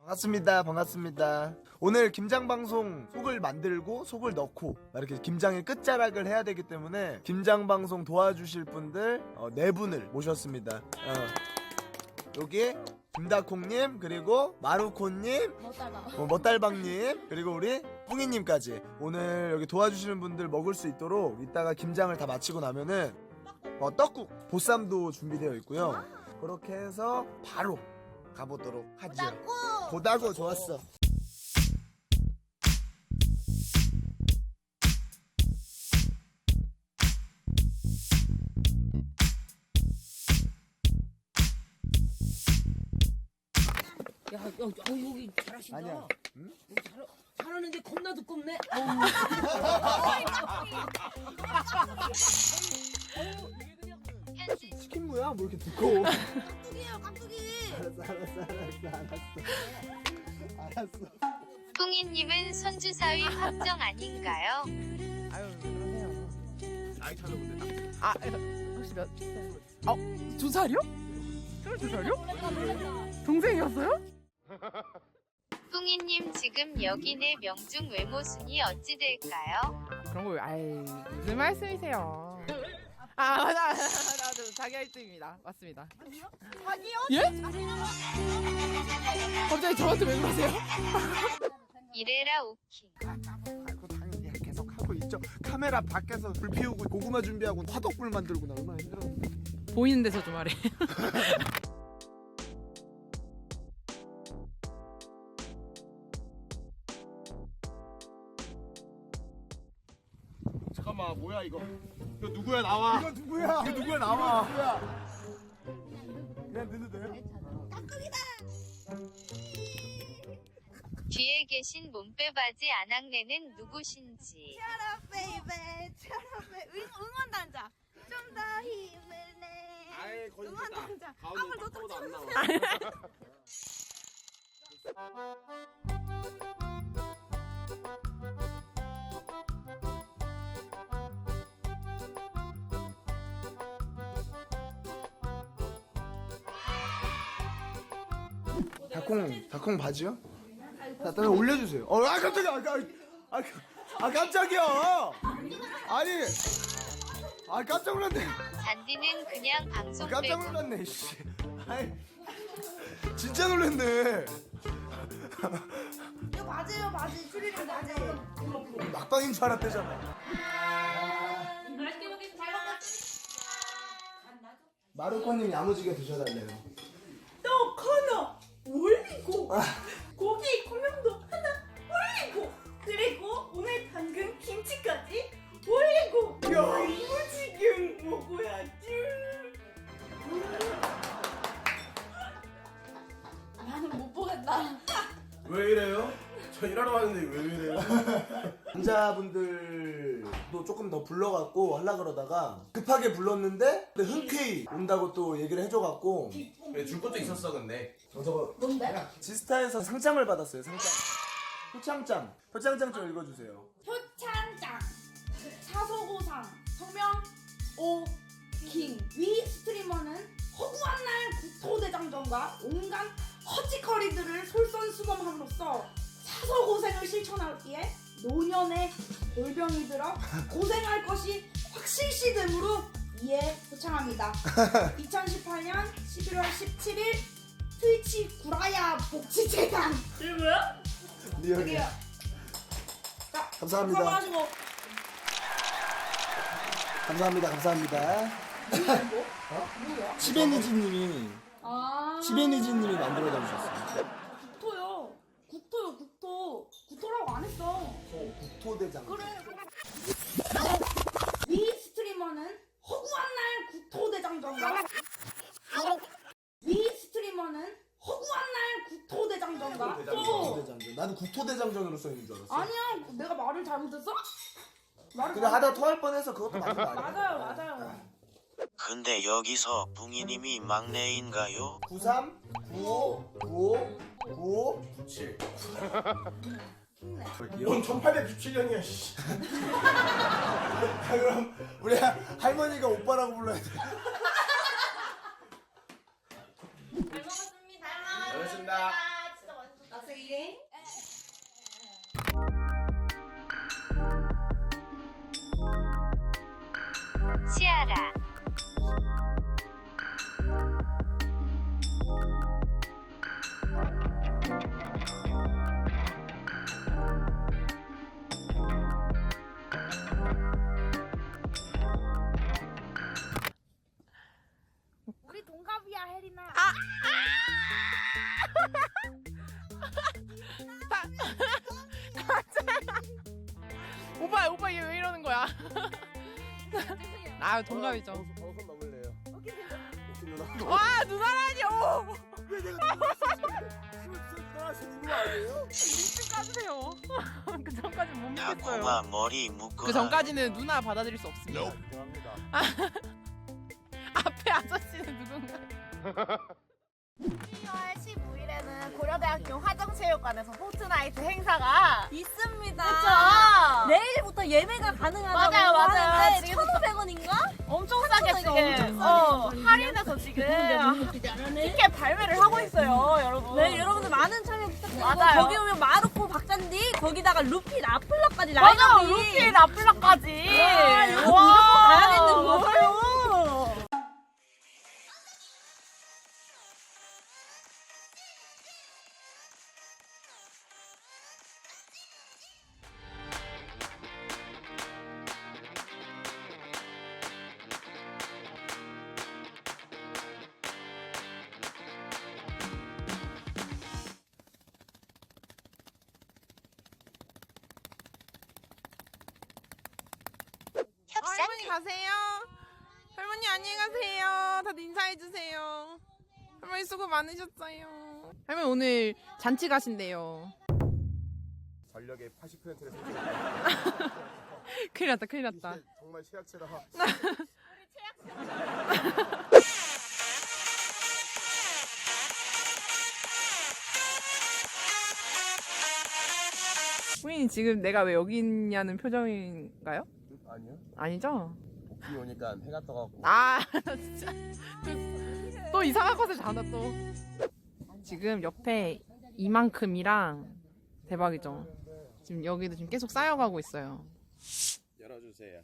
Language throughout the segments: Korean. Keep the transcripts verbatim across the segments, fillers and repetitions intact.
반갑습니다. 반갑습니다. 오늘 김장 방송 속을 만들고 속을 넣고 이렇게 김장의 끝자락을 해야 되기 때문에 김장 방송 도와주실 분들 어, 네 분을 모셨습니다. 어. 여기 김다콩님, 그리고 마루코님, 어, 멋달방님, 그리고 우리 뿡이님까지 오늘 여기 도와주시는 분들 먹을 수 있도록 이따가 김장을 다 마치고 나면은 어, 떡국, 보쌈도 준비되어 있고요. 그렇게 해서 바로 가보도록 하죠. 보다고 좋았어. 야, 야, 어, 여기 잘하신다. 아니야. 응? 여기 잘, 잘하는데 겁나 두껍네. 치킨 무야? 뭐 이렇게 두꺼워? 깍두기예요, 깍두기. 알았어, 알았어, 알았어, 알았어. 알았어. 뿡이님은 손주사위 확정 아닌가요? 아유 그러세요. 나이 찾아보세요. 아 혹시 몇 살? 어? 두 살이요? 스물두 살이요? 동생이었어요? 뿡이님 지금 여기네 명중 외모 순위 어찌 될까요? 그런 거 아이 무슨 말씀이세요? 아 맞아 맞아 맞아 자기 일 등입니다. 맞습니다. 자기요? 예? 갑자기 저한테 왜 그러세요? 이래라 오킹. 아이고 당연히 계속 하고 있죠. 카메라 밖에서 불 피우고 고구마 준비하고 화덕불 만들고 나 얼마나 힘들었는데. 보이는 데서 좀 하래. 잠깐만 뭐야 이거? 이거 누구야 나와? 이거 누구야? 이거 누구야 나와? 누구야? 그냥 넣어도 돼요? 뒤에 계신 몸빼바지 안악내는 누구신지. 차라 베이베, 차라 베 응원단자. 좀 더 힘을 내. 아이 거의 응원단자. 가운데 한번 더 딱 안 나와. 다콩, 다콩 바지요? 자, 일단 올려주세요. 어, 아 깜짝이야, 아, 아, 아, 아 깜짝이야. 아니, 아 깜짝 놀랐네. 잔디는 그냥 방송 깜짝 빼고. 놀랐네, 씨. 아이, 진짜 놀랐네. 이거 맞아요, 맞아요. 추리는 맞아요. 막방인 줄 알았대잖아. 맛있게 먹겠습니다. 잘 먹겠습니다. 마루코님이 야무지게 드셔달래요. 또 코너 올리고 고기 고명도 하나 올리고 그리고 오늘 담근 김치까지 올리고 야무지게 먹어야지. 나는 못 보겠다. 왜 이래요? 저 일하러 왔는데 왜 이래요? 남자분들도 조금 더 불러갖고 하려 그러다가 급하게 불렀는데 근데 흔쾌히 온다고 또 얘기를 해줘갖고 왜 줄 것도 있었어 근데. 저 저거 뭔데? 지스타에서 상장을 받았어요. 상장. 표창장. 표창장 좀 읽어주세요. 표창장 사소고상 성명 오킹 위 스트리머는 허구한 날 국토대장정과 온갖 허짓거리들을 솔선수범함으로써 사소고생을 실천하기에 노년의 골병이 들어 고생할 것이 확실시 되므로 이에 표창합니다. 이천십팔년 십일월 십칠일 트위치 구라야 복지재단. 이게 뭐야? 리얼이야. 여기요. 자, 감사합니다. 건강하시고. 감사합니다. 감사합니다. 뭐? 뭐야? 치베니지님이 아. 치베니지님이 만들어다 주셨어요. 국토요. 국토요, 국토. 국토라고 안 했어. 어, 국토대장. 그래. 이 스트리머는 허구한 날 국토대장정과 이 스트리머는 허구한 날 국토대장정과 또 국토대장정. 나는 국토대장정으로 써있는 줄 알았어. 아니야. 내가 말을 잘못했어? 말을 근데 하다 토할 뻔해서 그것도 맞는 거 아니야? 맞아요, 맞아요. 근데 여기서 붕이님이 막내인가요? 구삼 구오 구오 구오 구칠. 힘내. 뭔 천팔백육십칠년이야 씨. 아, 그럼 우리 할머니가 오빠라고 불러야 돼. 잘 먹었습니다. 알겠습니다. 진짜 맛있었다. 아 동갑이죠. 어, 어, 손 넘을래요. 오케이 누나. 와 누나라니요. 왜 내가 누나하시는 거 아니에요? 민증 까주세요. 그 전까지 못 야 믿겠어요. 고마 머리 묶어. 그 전까지는 누나 받아들일 수 없습니다. 죄송합니다. 앞에 아저씨는 누군가? 십이월 십오일에는 고려대학교 화정체육관에서 포트나이트 행사가 있습니다. 그쵸? 내일부터 예매가 가능하다고 맞아요, 맞아요. 하는데 지금부터- 천오백 원인가? 엄청 싸게 이거 지금 엄청 어, 할인해서 지금 티켓 발매를 하고 있어요, 여러분. 네, 여러분들 많은 참여 부탁드리고 맞아요. 거기 오면 마르코 박잔디 거기다가 루피 라플라까지 맞아, 라인업이 루피 라플라까지. 와, 이거 무조건 와. 가야겠는 거예요. 할머니 가세요. 할머니 안녕히 가세요. 다들 인사해 주세요. 할머니 수고 많으셨어요. 할머니 오늘 잔치 가신대요. 전력의 팔십 퍼센트를 큰일 났다 큰일 났다. 정말 최악체다. 부인이 지금 내가 왜 여기 있냐는 표정인가요? 아니요. 아니죠? 비 오니까 해가 떠갖고. 아 나 진짜 또, 또 이상한 것을 잡아 또. 지금 옆에 이만큼이랑 대박이죠. 지금 여기도 지금 계속 쌓여가고 있어요. 열어주세요.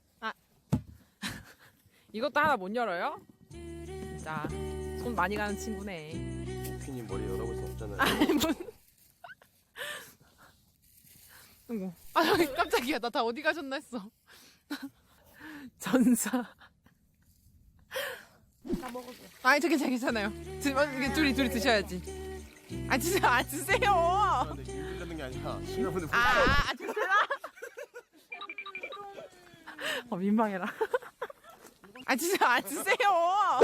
이것도 하나 못 열어요? 진짜 손 많이 가는 친구네. 오피님 머리 열어볼 수 없잖아요. 아니 뭔? 아이고. 아 저기 깜짝이야. 나 다 어디 가셨나 했어. 전사. 다 먹었어. 아니 저 괜찮 괜찮아요. 드, 어, 이게 둘이 둘이 드셔야지. 아 드세요. 아 드세요. 근데 길 들는 게 아니라 시나분을 아, 아, 아 드세요. 어 민망해라. 아 드세요. 아 드세요.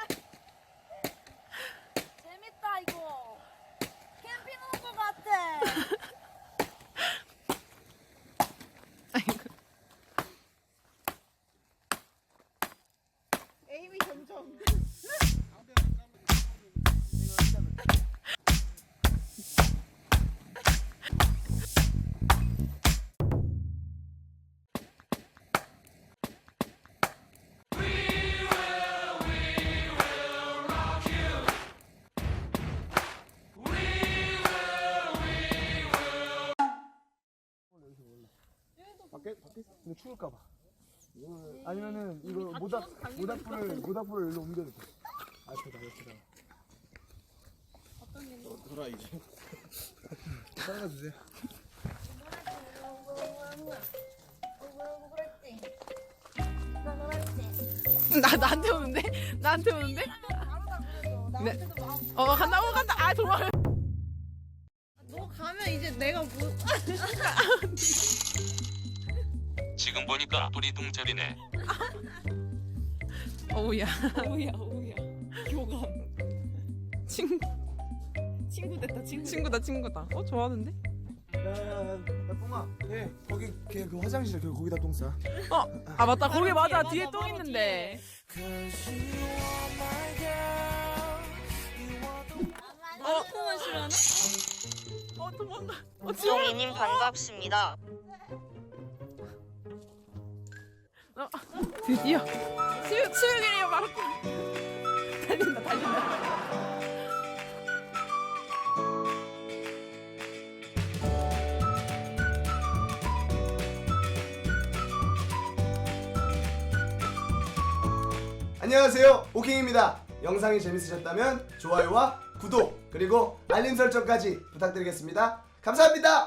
재밌다 이거. 캠핑 온 것 같아. 에임이 점점. 밖에 밖에 근데 추울까봐. 아니면은 이거 모닥 모닥불을 모닥불을 일로 옮겨도 돼. 앞에다 옆에다. 돌아 이제. 따라가 주세요. 나 나한테 오는데? 나한테 오는데? 네. 어 간다 어 간다. 아 도망. 너 가면 이제 내가 뭐 지금 보니까 뿌리둥절이네. 어우야. 어우야 어우야. 교감. 친구. 친구 됐다 친구. 친구다 친구다. 어 좋아하는데? 야야야 뽕아. 예 거기 걔 그 화장실 그 거기다 똥 싸. 어. 아 맞다 거기 맞아 뒤에 똥 있는데. 어? 만 싫어하나? 어 도망가. 어 지금. 송이님 반갑습니다. 어, 드디어 치유 치유길이야 바로. 달린다 달린다. 안녕하세요 오킹입니다. 영상이 재밌으셨다면 좋아요와 구독 그리고 알림 설정까지 부탁드리겠습니다. 감사합니다.